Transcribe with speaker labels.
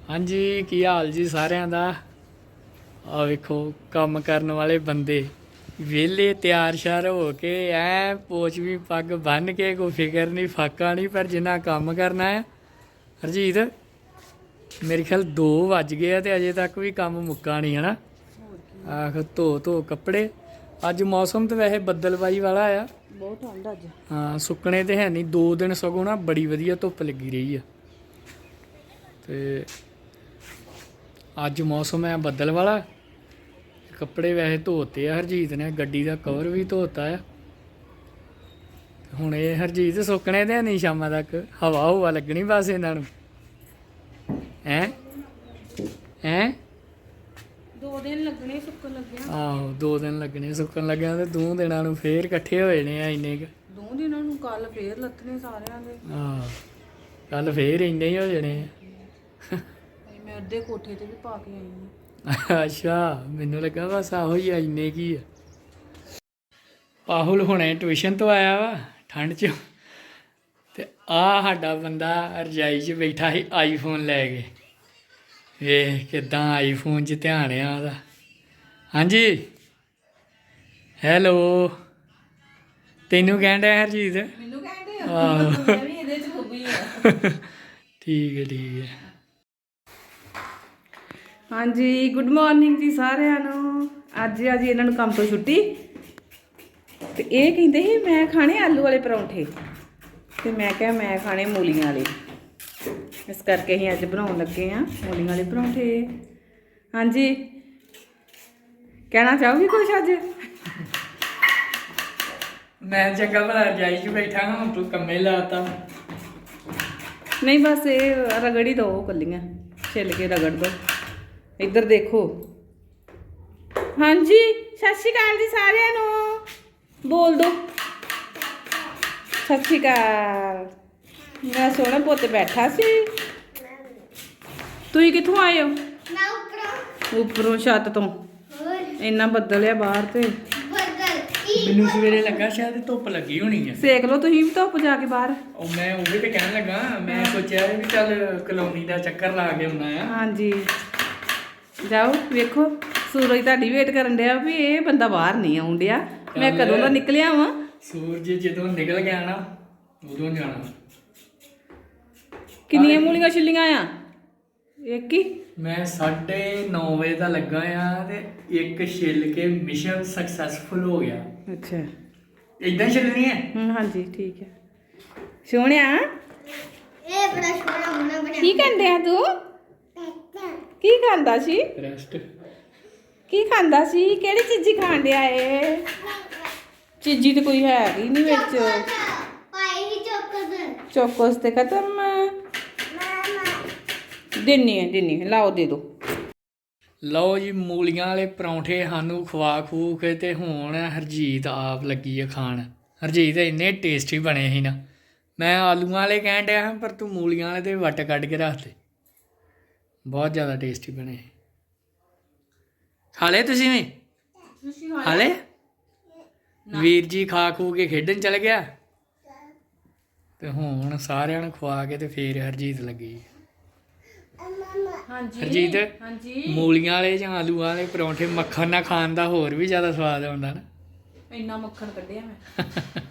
Speaker 1: हाँ जी की हाल जी सारिਆਂ ਦਾ। ਆ ਵੇਖੋ ਕੰਮ ਕਰਨ ਵਾਲੇ ਬੰਦੇ ਵਿਹਲੇ ਤਿਆਰ ਸ਼ਿਆਰ ਹੋ ਕੇ ਐ ਪੋਚ ਵੀ ਪੱਗ ਬੰਨ ਕੇ ਕੋਈ ਫਿਕਰ ਨਹੀਂ ਫਾਕਾ ਨਹੀਂ, ਪਰ ਜਿੰਨਾ ਕੰਮ ਕਰਨਾ ਹੈ। ਹਰਜੀਤ ਮੇਰੇ ਖਿਆਲ 2 ਵੱਜ ਗਏ ਆ ਤੇ ਅਜੇ ਤੱਕ ਵੀ ਕੰਮ ਮੁੱਕਾ ਨਹੀਂ ਹੈ ਨਾ। ਆਖ ਧੋ ਕੱਪੜੇ। ਅੱਜ ਮੌਸਮ ਤਾਂ ਵੈਸੇ ਬੱਦਲਬਾਈ ਵਾਲਾ ਆ,
Speaker 2: ਬਹੁਤ ਠੰਡ ਅੱਜ।
Speaker 1: ਹਾਂ ਸੁੱਕਣੇ ਤੇ ਹੈ ਨਹੀਂ। 2 ਦਿਨ ਸਗੋਂ ਨਾ ਬੜੀ ਵਧੀਆ ਧੁੱਪ ਲੱਗੀ ਰਹੀ ਆ ਤੇ ਅੱਜ ਮੌਸਮ ਹੈ ਬੱਦਲ ਵਾਲਾ। ਕੱਪੜੇ ਵੈਸੇ ਧੋਤੇ ਆ ਹਰਜੀਤ ਨੇ, ਗੱਡੀ ਦਾ ਕਵਰ ਵੀ ਧੋਤਾ ਆ। ਹੁਣ ਇਹ ਹਰਜੀਤ ਸੁੱਕਣੇ ਤੇ ਨਹੀਂ ਸ਼ਾਮਾਂ ਤੱਕ, ਹਵਾ ਲੱਗਣੀ ਬਸ ਇਹਨਾਂ ਨੂੰ। ਹੈਂ
Speaker 2: 2 ਦਿਨ ਲੱਗਣੇ ਸੁੱਕਣ ਲੱਗਿਆ।
Speaker 1: ਆਹੋ 2 ਦਿਨ ਲੱਗਣੇ ਸੁੱਕਣ ਲੱਗਿਆ ਤੇ 2 ਦਿਨਾਂ ਨੂੰ ਫੇਰ ਇਕੱਠੇ ਹੋਏ ਨੇ ਆ ਇੰਨੇ ਕੁ।
Speaker 2: 2 ਦਿਨਾਂ ਨੂੰ ਕੱਲ ਫੇਰ ਲੱਥਣੇ ਸਾਰਿਆਂ ਦੇ।
Speaker 1: ਆਹ ਕੱਲ ਫੇਰ ਇੰਨੇ ਹੀ ਹੋ ਜਾਣੇ ਆ।
Speaker 2: ਮੈਂ ਅੱਧੇ ਕੋਠੇ ਤੇ ਵੀ ਪਾ ਕੇ ਆਈ ਹਾਂ।
Speaker 1: ਅੱਛਾ ਮੈਨੂੰ ਲੱਗਾ ਬਸ ਆਹੋ ਹੀ ਆ, ਇੰਨੇ ਕੀ ਆ। ਪਾਹੁਲ ਹੁਣੇ ਟਿਊਸ਼ਨ ਤੋਂ ਆਇਆ ਵਾ ਠੰਡ 'ਚ, ਤੇ ਆ ਸਾਡਾ ਬੰਦਾ ਰਜਾਈ 'ਚ ਬੈਠਾ ਸੀ ਆਈਫੋਨ ਲੈ ਕੇ। ਵੇਖ ਕਿੱਦਾਂ ਆਈਫੋਨ 'ਚ ਧਿਆਨ ਆ ਉਹਦਾ। ਹਾਂਜੀ ਹੈਲੋ ਤੈਨੂੰ ਕਹਿਣ ਡਿਆ ਹਰਜੀਤ?
Speaker 2: ਮੈਨੂੰ ਕਹਿੰਦੇ
Speaker 1: ਆਹੋ
Speaker 2: ਮੈਂ ਵੀ ਇਹਦੇ 'ਚ ਖੁੱਬੀ ਆ।
Speaker 1: ਠੀਕ ਹੈ।
Speaker 2: ਹਾਂਜੀ ਗੁੱਡ ਮਾਰਨਿੰਗ ਜੀ ਸਾਰਿਆਂ ਨੂੰ। ਅੱਜ ਇਹਨਾਂ ਨੂੰ ਕੰਮ ਤੋਂ ਛੁੱਟੀ ਤੇ ਇਹ ਕਹਿੰਦੇ ਸੀ ਮੈਂ ਖਾਣੇ ਆਲੂ ਵਾਲੇ ਪਰੌਂਠੇ, ਤੇ ਮੈਂ ਕਿਹਾ ਮੈਂ ਖਾਣੇ ਮੂਲੀਆਂ ਵਾਲੇ। ਇਸ ਕਰਕੇ ਅਸੀਂ ਅੱਜ ਬਣਾਉਣ ਲੱਗੇ ਆ ਮੂਲੀਆਂ ਵਾਲੇ ਪਰੌਂਠੇ। ਹਾਂਜੀ ਕਹਿਣਾ ਚਾਹੋਗੇ ਕੁਛ ਅੱਜ?
Speaker 1: ਮੈਂ ਚੰਗਾ ਭਲਾ ਰਜਾਈ 'ਚ ਬੈਠਾ ਹਾਂ, ਹੁਣ ਤੂੰ ਕੰਮੇ ਲਾਤਾ।
Speaker 2: ਨਹੀਂ ਬਸ ਇਹ ਰਗੜੀ ਦੋ ਕੱਲੀਆਂ, ਛਿੱਲ ਕੇ ਰਗੜ ਦੋ। ਇੱਧਰ ਦੇਖੋ। ਹਾਂਜੀ ਸਤਿ ਸ਼੍ਰੀ ਅਕਾਲ ਜੀ ਸਾਰਿਆਂ ਨੂੰ, ਬੋਲ ਦੋ ਸਤਿ ਸ਼੍ਰੀ ਅਕਾਲ। ਮੇਰਾ ਸੋਹਣਾ ਪੁੱਤ ਬੈਠਾ ਸੀ। ਤੁਸੀਂ ਕਿੱਥੋਂ ਆਏ ਹੋ? ਉੱਪਰੋਂ ਛੱਤ ਤੋਂ। ਇੰਨਾ ਬੱਦਲ ਆ ਬਾਹਰ ਤੇ
Speaker 1: ਮੈਨੂੰ ਸਵੇਰੇ ਲੱਗਾ ਸ਼ਾਇਦ ਧੁੱਪ ਲੱਗੀ ਹੋਣੀ ਹੈ।
Speaker 2: ਸੇਕ ਲਓ ਤੁਸੀਂ ਵੀ ਧੁੱਪ ਜਾ ਕੇ ਬਾਹਰ।
Speaker 1: ਉਹ ਮੈਂ ਉਹ ਵੀ ਤੇ ਕਹਿਣ ਲੱਗਾ, ਮੈਂ ਸੋਚਿਆ ਵੀ ਚੱਲ ਕਲੋਨੀ ਦਾ ਚੱਕਰ ਲਾ ਕੇ ਆਉਣਾ ਆ।
Speaker 2: ਹਾਂਜੀ ਜਾਓ ਵੇਖੋ, ਸੂਰਜ ਤੁਹਾਡੀ ਵੇਟ ਕਰਨ ਡਿਆ ਵੀ ਇਹ ਬੰਦਾ ਬਾਹਰ ਨਹੀਂ ਆਉਣ ਡਿਆ। ਮੈਂ ਕਦੋਂ ਦਾ ਨਿਕਲਿਆ ਵਾਂ।
Speaker 1: ਸੂਰਜ ਜਦੋਂ ਨਿਕਲ ਗਿਆ ਨਾ ਉਦੋਂ ਜਾਣਾ।
Speaker 2: ਕਿੰਨੀਆਂ ਮੂਲੀਆਂ ਛਿੱਲੀਆਂ ਆ? ਇੱਕ ਹੀ।
Speaker 1: ਮੈਂ 9:30 ਵਜੇ ਦਾ ਲੱਗਾ ਆ ਤੇ ਇੱਕ ਛਿੱਲ ਕੇ ਮਿਸ਼ਨ ਸਕਸੈਸਫੁਲ ਹੋ ਗਿਆ।
Speaker 2: ਅੱਛਾ
Speaker 1: ਇਦਾਂ ਛਿੱਲਣੀ ਹੈ।
Speaker 2: ਹਾਂਜੀ ਠੀਕ ਹੈ। ਸੋਹਣਿਆ
Speaker 3: ਇਹ ਬੜਾ ਸੋਹਣਾ ਬਣਾ ਬਣਾ
Speaker 2: ਕੀ ਕਰਦੇ ਤੂੰ? ਕੀ ਖਾਂਦਾ ਸੀ?
Speaker 1: ਰੈਸਟ।
Speaker 2: ਕੀ ਖਾਂਦਾ ਸੀ? ਕਿਹੜੀ ਚੀਜ਼ੀ ਖਾਣ ਡਿਆ ਏ? ਚੀਜ਼ੀ ਤੇ ਕੋਈ ਹੈ ਹੀ ਨਹੀਂ ਵਿੱਚ।
Speaker 3: ਪਾਈ ਹੀ ਚੋਕਸ
Speaker 2: ਚੋਕੋਸ ਤੇ ਖਤਮ। ਦਿੰਨੀ ਲਾਓ ਦੇ ਦੋ।
Speaker 1: ਲਓ ਜੀ ਮੂਲੀਆਂ ਵਾਲੇ ਪਰੌਂਠੇ ਸਾਨੂੰ ਖਵਾ ਖੂ ਕੇ ਤੇ ਹੁਣ ਹਰਜੀਤ ਆਪ ਲੱਗੀ ਆ ਖਾਣ। ਹਰਜੀਤ ਇੰਨੇ ਟੇਸਟੀ ਬਣੇ ਸੀ ਨਾ, ਮੈਂ ਆਲੂਆਂ ਵਾਲੇ ਕਹਿਣ ਡਿਆ ਹਾਂ ਪਰ ਤੂੰ ਮੂਲੀਆਂ ਵਾਲੇ ਤੇ ਵੱਟ ਕੱਢ ਕੇ ਰੱਖਦੇ। ਬਹੁਤ ਜ਼ਿਆਦਾ ਟੇਸਟੀ ਬਣੇ। ਖਾ ਲਏ ਤੁਸੀਂ ਵੀ? ਖਾ ਲਏ? ਵੀਰ ਜੀ ਖਾ ਖੂ ਕੇ ਖੇਡਣ ਚਲ ਗਿਆ ਤੇ ਹੁਣ ਸਾਰਿਆਂ ਨੂੰ ਖਵਾ ਕੇ ਤੇ ਫੇਰ ਹਰਜੀਤ ਲੱਗੀ।
Speaker 2: ਹਾਂਜੀ
Speaker 1: ਹਰਜੀਤ
Speaker 2: ਹਾਂਜੀ
Speaker 1: ਮੂਲੀਆਂ ਵਾਲੇ ਜਾਂ ਆਲੂ ਵਾਲੇ ਪਰੌਂਠੇ ਮੱਖਣ ਨਾਲ ਖਾਣ ਦਾ ਹੋਰ ਵੀ ਜ਼ਿਆਦਾ ਸਵਾਦ ਆਉਂਦਾ ਨਾ।
Speaker 2: ਇੰਨਾ ਮੱਖਣ ਕੱਢਿਆ ਮੈਂ।